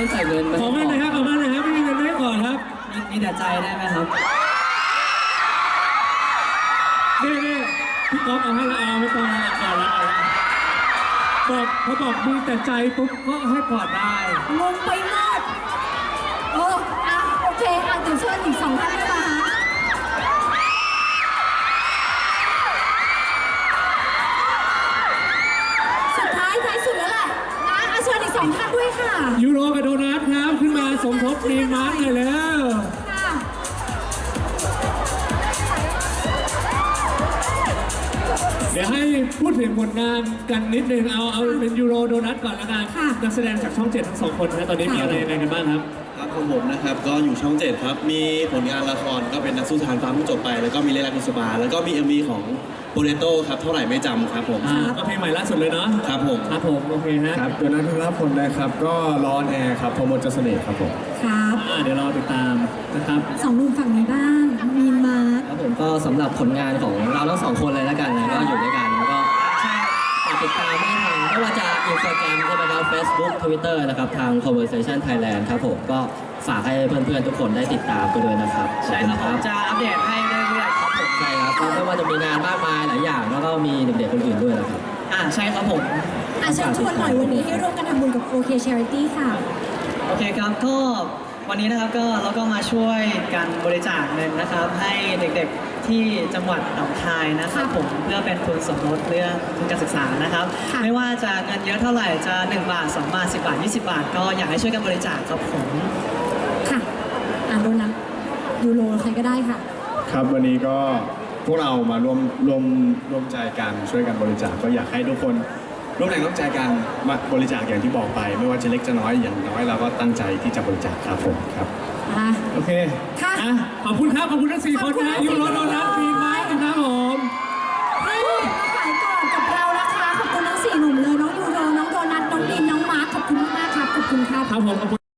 ใส่เงินขอมาเลยครับขอมาเลยครับไม่มีเงินไม่ก่อนครับมีแต่ใจได้ไหมครับนี่พี่ก๊อฟเอาให้ละเอาไม่ต้องเอาละบอกเขาบอกมีแต่ใจปุ๊บก็ให้กอดได้งงไปหมดโอ้โอเคเดี๋ยวเชิญอีก2 ท่านได้ไหมคะสุดท้ายสุดแล้วแหละนะเชิญอีก2 ท่านด้วยค่ะยูโรกับโดนัทครับขึ้นมาสมทบทีมมาร์คเลยแล้วเดี๋ยวให้พูดถึงผลงานกันนิดนึงเอาเป็นยูโรโดนัทก่อนละกันนักแสดงจากช่อง 7 ทั้ง 2 คนนะตอนนี้มีอะไรยังไงกันบ้างครับครับของผมนะครับก็อยู่ช่อง 7 ครับมีผลงานละครก็เป็นนักสู้ทานฟ้าเพิ่งจบไปแล้วก็มีเล่นรักอิสบาแล้วก็มี MV ของโปเตโต้ครับเท่าไหร่ไม่จำครับผมก็เพลงใหม่ล่าสุดเลยเนาะครับผมโอเคฮะครับโดนัท ธนพลนะครับก็ร้อนแอร์ครับพมล เสน่ห์ครับผมครับเดี๋ยวรอติดตามนะครับ 2 หนุ่มฝั่งนี้บ้างมีนมาครับผมก็สำหรับผลงานของเราทั้ง2 คนเลยแล้วกันนะก็อยู่ด้วยกันแล้วก็ฝากติดตามได้ทางไม่ว่าจะ Instagram ใช่ไหมครับ Facebook Twitter นะครับทาง Conversation Thailand ครับผมก็ฝากให้เพื่อนๆทุกคนได้ติดตามไปด้วยนะครับใช่ครับผมจะอัปเดตให้เรื่อยๆครับผมใช่ครับไม่ว่าจะมีงานมากมายหลายอย่างแล้วก็มีเด็กๆคนอื่นด้วยนะครับใช่ครับผมเชิญชวนหน่อยวันนี้ให้ร่วมกันทำบุญกับ OK Charity ค่ะโอเคครับก็วันนี้นะครับเราก็มาช่วยกันบริจาคเงินนะครับให้เด็กๆที่จังหวัดหนองคายนะครับผมเพื่อเป็นทุนสมรสเรื่องทุนการศึกษานะครับไม่ว่าจะเงินเยอะเท่าไหร่จะ1 บาท2 บาท10 บาท20 บาทก็อยากให้ช่วยกันบริจาคครับผมค่ะโดนัทยูโรใครก็ได้ค่ะครับวันนี้ก็พวกเรามาร่วมใจกันช่วยกันบริจาคก็อยากให้ทุกคนร่วมแรงร่วมใจกันมาบริจาคอย่างที่บอกไปไม่ว่าจะเล็กจะน้อยอย่างน้อยเราก็ตั้งใจที่จะบริจาคครับผมครับโอเคค่ะขอบคุณครับขอบคุณทั้ง4 คนนะยูโรโดนัททีมมาร์คนะครับผมให้มาขายก่อนกับเรานะคะขอบคุณทั้ง4 หนุ่มเลยน้องยูโรน้องโดนัทน้องดินน้องมาร์คขอบคุณมากครับขอบคุณครับครับผมขอบคุณ